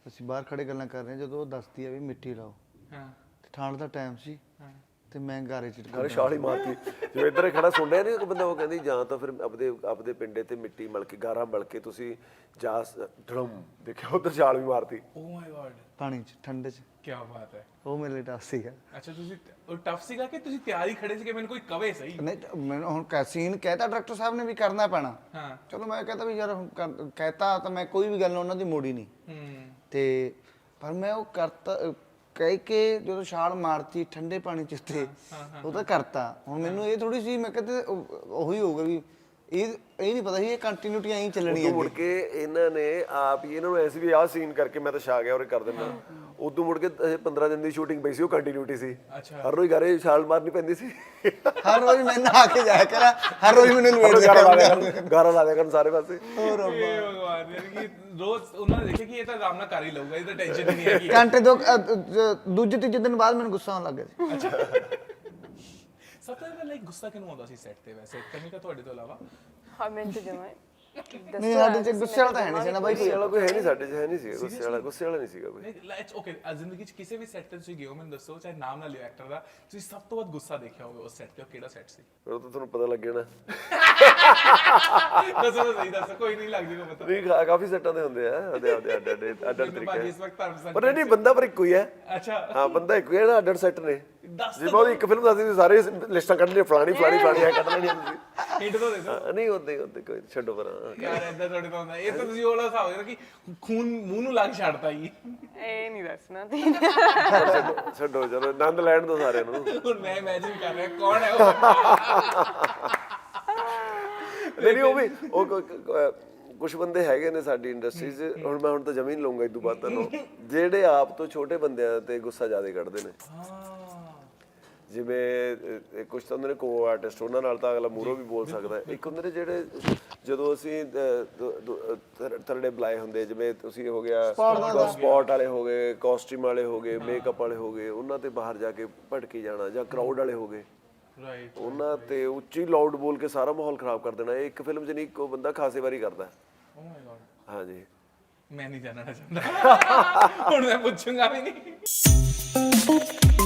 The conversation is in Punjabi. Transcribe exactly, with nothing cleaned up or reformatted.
ਅਸੀਂ ਬਾਹਰ ਖੜੇ ਗੱਲਾਂ ਕਰ ਰਹੇ ਹਾਂ ਜਦੋਂ ਉਹ ਦੱਸਦੀ ਆ ਵੀ ਮਿੱਟੀ ਲਾਓ ਹਾਂ ਤੇ ਠੰਡ ਦਾ ਟਾਈਮ ਸੀ ਹਾਂ ਤੇ ਮੈਂ ਗਾਰੇ ਚ ਗਾਰੇ ਛਾਲ ਹੀ ਮਾਰਤੀ ਜਿਵੇਂ ਇੱਧਰ ਖੜਾ ਸੁਣ ਰਿਹਾ ਨਹੀਂ ਇੱਕ ਬੰਦਾ ਉਹ ਕਹਿੰਦੀ ਜਾਂ ਤਾਂ ਫਿਰ ਆਪਦੇ ਆਪਦੇ ਪਿੰਡੇ ਤੇ ਮਿੱਟੀ ਮਲ ਕੇ ਗਾਰਾ ਮਲ ਕੇ ਤੁਸੀਂ ਜਾ ਧੜਮ ਦੇਖਿਆ ਉੱਧਰ ਛਾਲ ਵੀ ਮਾਰਤੀ ਓ ਮਾਈ ਗॉड ਪਾਣੀ ਚ ਠੰਡੇ ਚ ਕੀ ਬਾਤ ਹੈ ਉਹ ਮੇਰੇ ਲਈ ਟਫ ਸੀਗਾ ਅੱਛਾ ਤੁਸੀਂ ਉਹ ਟਫ ਸੀਗਾ ਕਿ ਤੁਸੀਂ ਤਿਆਰੀ ਖੜੇ ਸੀ ਕਿ ਮੈਨੂੰ ਕੋਈ ਕਵੇ ਸਹੀ ਨਹੀਂ ਮੈਨੂੰ ਹੁਣ ਕੈ ਸੀਨ ਕਹਿਤਾ ਡਾਇਰੈਕਟਰ ਸਾਹਿਬ ਨੇ ਵੀ ਕਰਨਾ ਪੈਣਾ ਹਾਂ ਚਲੋ ਮੈਂ ਕਹਤਾ ਵੀ ਯਾਰ ਹੁਣ ਕਰ- ਕਹਿਤਾ ਤਾਂ ਮੈਂ ਕੋਈ ਵੀ ਗੱਲ ਉਹਨਾਂ ਦੀ ਮੋੜੀ ਨਹੀਂ ਹੂੰ ਤੇ ਪਰ ਮੈਂ ਉਹ ਕਰਤਾ ਕਹਿ ਕੇ ਜਦੋਂ ਛਾਲ ਮਾਰਤੀ ਠੰਡੇ ਪਾਣੀ ਚ ਤੇ ਉਹ ਤਾਂ ਕਰਤਾ ਹੁਣ ਮੈਨੂੰ ਇਹ ਥੋੜੀ ਸੀ ਮੈਂ ਕਹਿੰਦੇ ਉਹੀ ਹੋਊਗਾ ਵੀ ਇਹ ਇਹ ਨਹੀਂ ਪਤਾ ਸੀ ਇਹ ਕੰਟੀਨਿਊਟੀ ਐਂ ਚੱਲਣੀ ਹੈ ਮੁੜ ਕੇ ਇਹਨਾਂ ਨੇ ਆਪ ਹੀ ਇਹਨਾਂ ਨੂੰ ਐਸੀ ਵੀ ਆਹ ਸੀਨ ਕਰਕੇ ਮੈਂ ਤਾਂ ਛਾ ਗਿਆ ਔਰ ਕਰ ਦਿੰਦਾ ਉਦੋਂ ਮੁੜ ਕੇ ਪੰਦਰਾਂ ਦਿਨ ਦੀ ਸ਼ੂਟਿੰਗ ਪਈ ਸੀ ਉਹ ਕੰਟੀਨਿਊਟੀ ਸੀ ਅੱਛਾ ਹਰ ਰੋਜ਼ ਗਾਰੇ ਛਾਲ ਮਾਰਨੀ ਪੈਂਦੀ ਸੀ ਹਰ ਰੋਜ਼ ਮੈਂ ਨਹਾ ਕੇ ਜਾਇਆ ਕਰਾਂ ਹਰ ਰੋਜ਼ ਮੈਨੂੰ ਲਵੇਟ ਗਾਰਾ ਲਾ ਦਿਆ ਕਰਨ ਗਾਰਾ ਲਾ ਦਿਆ ਕਰਨ ਸਾਰੇ ਪਾਸੇ ਹੋਰ ਭਗਵਾਨ ਯਾਰ ਕਿ ਰੋਜ਼ ਉਹਨਾਂ ਨੇ ਦੇਖਿਆ ਕਿ ਇਹ ਤਾਂ ਆਰਾਮ ਨਾਲ ਕਰ ਹੀ ਲਊਗਾ ਇਹ ਤਾਂ ਟੈਨਸ਼ਨ ਹੀ ਨਹੀਂ ਹੈਗੀ ਘੰਟੇ ਦੋ ਅ, ਅ, ਦੂਜੇ ਤੀਜੇ ਦਿਨ ਬਾਅਦ ਮੈਨੂੰ ਗੁੱਸਾ ਆਉਣ ਲੱਗ ਗਿਆ ਸੀ ਅੱਛਾ ਸਭ ਤੋਂ ਜ਼ਿਆਦਾ ਲਾਈਕ ਗੁੱਸਾ ਕਿਹਨੂੰ ਆਉਂਦਾ ਸੀ ਸੈੱਟ ਤੇ ਵੈਸੇ ਕਮੀ ਤਾਂ ਤੁਹਾਡੇ ਤੋਂ ਇਲਾਵਾ ਹਾਂ ਮੈਂ ਤੇ ਜਮਾਂ ਨਹੀਂ ਸਾਡੇ ਚ ਗੁੱਸੇ ਵਾਲਾ ਤਾਂ ਹੈ ਨਹੀਂ ਸੀ ਨਾ ਬਾਈ ਗੁੱਸੇ ਵਾਲਾ ਕੋਈ ਹੈ ਨਹੀਂ ਸਾਡੇ 'ਚ ਹੈ ਨਹੀਂ ਸੀ ਗੁੱਸੇ ਵਾਲਾ ਗੁੱਸੇ ਵਾਲਾ ਨਹੀਂ ਸੀਗਾ ਕੋਈ ਨਹੀਂ ਲਾਈਕ ਓਕੇ ਜ਼ਿੰਦਗੀ 'ਚ ਕਿਸੇ ਵੀ ਸੈੱਟ ਤੇ ਤੁਸੀਂ ਗਏ ਹੋ ਮੈਨੂੰ ਦੱਸੋ ਚਾਹੇ ਨਾਮ ਨਾ ਲਿਓ ਐਕਟਰ ਦਾ ਤੁਸੀਂ ਸਭ ਤੋਂ ਵੱਧ ਗੁੱਸਾ ਦੇਖਿਆ ਹੋਵੇ ਉਸ ਸੈੱਟ ਤੇ ਉਹ ਕਿਹੜਾ ਸੈੱਟ ਸੀ ਉਹ ਤਾਂ ਤੁਹਾਨੂੰ ਪਤਾ ਲੱਗ ਜਾਣਾ ਦੱਸੋ ਸਹੀ ਦੱਸੋ ਕੋਈ ਨਹੀਂ ਲੱਗ ਜੂਗਾ ਪਤਾ ਨਹੀਂ ਕਾ- ਕਾਫੀ ਸੈੱਟਾਂ ਦੇ ਹੁੰਦੇ ਆ ਉਹਦੇ ਆਪਦੇ ਅੱਡ ਅੱਡ ਅੱਡ ਅੱਡ ਭਾਜੀ ਤਰੀਕੇ ਇਸ ਵਕਤ ਤੁਹਾਨੂੰ ਪਰ ਨਹੀਂ ਬੰਦਾ ਪਰ ਇੱਕੋ ਹੀ ਹੈ ਅੱਛਾ ਹਾਂ ਬੰਦਾ ਇੱਕੋ ਹੀ ਹੈ ਨਾ ਅੱਡ ਅੱਡ ਸੈੱਟ ਨੇ ਦੱਸ ਜੇ ਮੈਂ ਉਹਦੀ ਇੱਕ ਫਿਲਮ ਦੱਸਦੀ ਸੀ ਸਾਰੇ ਲਿਸਟਾਂ ਕੱਢਣੀਆਂ ਫਲਾਣੀ ਫਲਾਣੀ ਫਲਾਣੀ ਐ ਕੱਢ ਲੈਣੀਆਂ ਤੁਸੀਂ ਹਿੰਟ ਤੋਂ ਦੇ ਦਿਓ ਹਾਂ, ਨਹੀਂ ਹੁੰਦੇ ਹੁੰਦੇ ਕੋਈ ਛੱਡੋ ਪਰ ਯਾਰ ਏਦਾਂ ਤੁਹਾਡੇ ਤੋਂ ਹੁੰਦਾ ਇਹ ਤਾਂ ਤੁਸੀਂ ਉਹਲਾ ਹਿਸਾਬ ਹੋਇਆ ਕਿ ਖੂਨ ਮੂੰਹ ਨੂੰ ਲੱਗ ਛੱਡਤਾ ਜੀ ਇਹ ਨਹੀਂ ਦੱਸਣਾ ਤੇ ਛੱਡੋ ਛੱਡੋ ਚਲੋ ਆਨੰਦ ਲੈਣ ਦੋ ਸਾਰਿਆਂ ਨੂੰ ਹੁਣ ਮੈਂ ਇਮੇਜਿਨ ਕਰ ਰਿਹਾ ਕੌਣ ਹੈ ਉਹ ਬੰਦਾ ਨਹੀਂ ਨਹੀਂ ਉਹ ਵੀ ਉਹ ਕੁਝ ਬੰਦੇ ਹੈਗੇ ਨੇ ਸਾਡੀ ਇੰਡਸਟਰੀ 'ਚ ਹੁਣ ਮੈਂ ਹੁਣ ਤਾਂ ਜ਼ਮੀਨ ਲਊਂਗਾ ਇਦੋਂ ਬਾਅਦ ਤੁਹਾਨੂੰ ਜਿਹੜੇ ਆਪ ਤੋਂ ਛੋਟੇ ਬੰਦਿਆਂ ਤੇ ਗੁੱਸਾ ਜ਼ਿਆਦਾ ਕੱਢਦੇ ਨੇ ਜਿਵੇਂ ਕੁਝ ਤਾਂ ਹੁੰਦੇ ਨੇ ਕੋ ਆਰਟਿਸਟ ਉਹਨਾਂ ਨਾਲ ਤਾਂ ਅਗਲਾ ਮੂਹਰੋਂ ਵੀ ਬੋਲ ਸਕਦਾ ਇੱਕ ਹੁੰਦੇ ਨੇ ਜਿਹੜੇ ਜਦੋਂ ਅਸੀਂ ਥਰਡੇ ਬੁਲਾਏ ਹੁੰਦੇ ਜਿਵੇਂ ਤੁਸੀਂ ਹੋ ਗਿਆ ਸਪੌਟ ਵਾਲੇ ਹੋ ਗਏ ਕਾਸਟਿਊਮ ਵਾਲੇ ਹੋ ਗਏ ਮੇਕਅਪ ਵਾਲੇ ਹੋ ਗਏ ਉਹਨਾਂ ਤੇ ਬਾਹਰ ਜਾ ਕੇ ਭਟਕੀ ਜਾਣਾ ਜਾਂ ਕਰਾਊਡ ਵਾਲੇ ਹੋ ਗਏ ਰਾਈਟ ਉਹਨਾਂ ਤੇ ਉੱਚੀ ਲਾਊਡ ਬੋਲ ਕੇ ਸਾਰਾ ਮਾਹੌਲ ਖਰਾਬ ਕਰ ਦੇਣਾ ਇਹ ਇੱਕ ਫਿਲਮ 'ਚ ਨਹੀਂ ਇੱਕੋ ਬੰਦਾ ਖਾਸੇ ਵਾਰੀ ਕਰਦਾ ਓ ਮਾਈ ਗॉड ਹਾਂਜੀ ਮੈਂ ਨਹੀਂ ਜਾਣਨਾ ਚਾਹੁੰਦਾ ਹੁਣ ਮੈਂ ਪੁੱਛੂੰਗਾ ਵੀ ਨਹੀਂ